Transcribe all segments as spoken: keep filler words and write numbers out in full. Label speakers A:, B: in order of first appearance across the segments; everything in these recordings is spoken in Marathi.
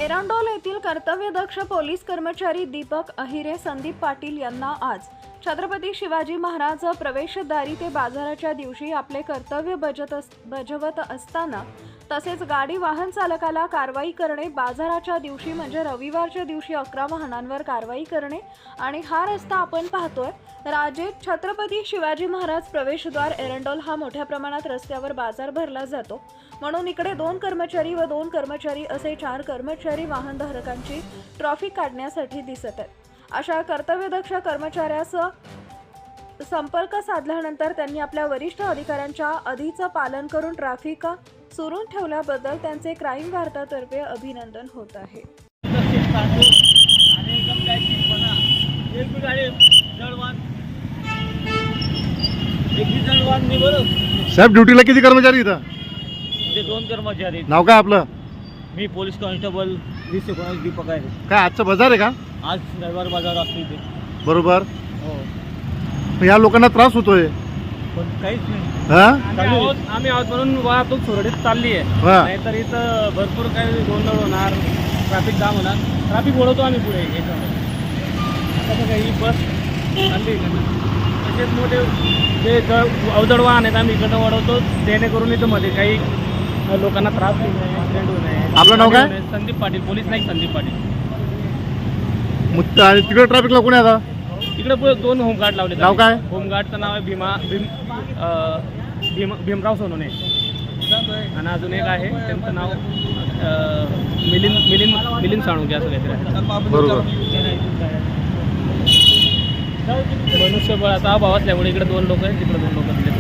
A: एरंडोल येथील कर्तव्यदक्ष पोलीस कर्मचारी दीपक अहिरे संदीप पाटील यांना आज छत्रपती शिवाजी महाराज प्रवेशद्वारी ते बाजाराच्या दिवशी आपले कर्तव्य बजत अस, बजावत असताना तसेच गाडी वाहन चालकाला कारवाई करणे, बाजाराच्या दिवशी म्हणजे रविवारच्या दिवशी अकरा वाहनांवर कारवाई करणे आणि हा रस्ता आपण पाहतोय राजे छत्रपती शिवाजी महाराज प्रवेशद्वार एरंडोल हा मोठ्या प्रमाणात रस्त्यावर बाजार भरला जातो, म्हणून इकडे दोन कर्मचारी व दोन कर्मचारी असे चार कर्मचारी वाहनधारकांची ट्रॅफिक काढण्यासाठी दिसत आहेत. अशा कर्तव्यदक्ष कर्मचाऱ्यास संपर्क साधल्यानंतर त्यांनी आपल्या वरिष्ठ अधिकाऱ्यांच्या आधीचं पालन करून ट्रॅफिक सुरू ठेवल्याबद्दल त्यांचे क्राईम वार्तातर्फे अभिनंदन होत आहे.
B: साहेब ड्युटीला किती कर्मचारी इथं?
C: ते दोन कर्मचारी.
B: नाव काय आपलं?
C: मी पोलीस कॉन्स्टेबल वीस एकोणास दीपक आहे.
B: काय आजचा बाजार आहे का?
C: आज रविवार बाजार असतो इथे.
B: बरोबर.
C: हो.
B: पण या लोकांना त्रास होतोय.
C: पण काहीच नाही.
B: हा?
C: आम्ही आहोत आम्ही आहोत म्हणून वाहतूक सुरळीत चालली आहे. नाहीतर इथं भरपूर काही गोंधळ होणार, ट्रॅफिक जाम होणार. ट्रॅफिक ओढवतो आम्ही पुढे याच्यामध्ये. आता बघा ही बस चालली तसेच मोठे जे जड अवजड वाहन आहेत आम्ही इकडं वाढवतो, जेणेकरून इथं मध्ये काही लोकांना त्रास होऊ नये, ॲक्सिडेंट होऊ नये.
B: आपलं नाव काय?
C: संदीप पाटील, पोलीस नाईक संदीप पाटील.
B: आणि तिकडे ट्रॅफिकला कोणी आता?
C: इकडे पुढे दोन होमगार्ड लावले.
B: नाव काय?
C: होमगार्डचं नाव आहे भीमा भीम भीम भीमराव सोनोने आणि अजून एक आहे त्यांचं नाव मिलिंद मिलिंद मिलिंद साळुंके असं काहीतरी आहे.
B: बरोबर.
C: मनुष्यबळाचा अभाव असल्यामुळे इकडे दोन लोक आहेत, तिकडे दोन लोक आहेत.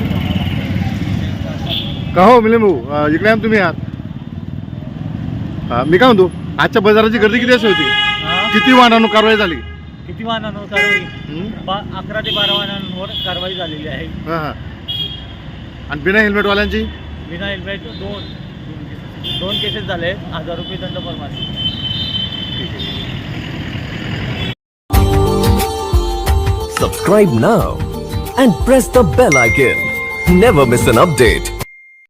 B: का हो मिलिंद भाऊ, इकडे आम तुम्ही आहात? मी काय म्हणतो, आजच्या बाजाराची गर्दी किती अशी होती? किती वाहनांवर कारवाई झाली?
C: किती वाहनांवर कारवाई? अकरा ते बारा वाहनांवर कारवाई झालेली आहे.
B: हां हां. आणि बिना हेल्मेटवाल्यांची?
C: बिना हेल्मेट दोन दोन केसेस झाले. हजार रुपये दंड फरमास.
D: Subscribe now and press the bell icon. Never miss an update.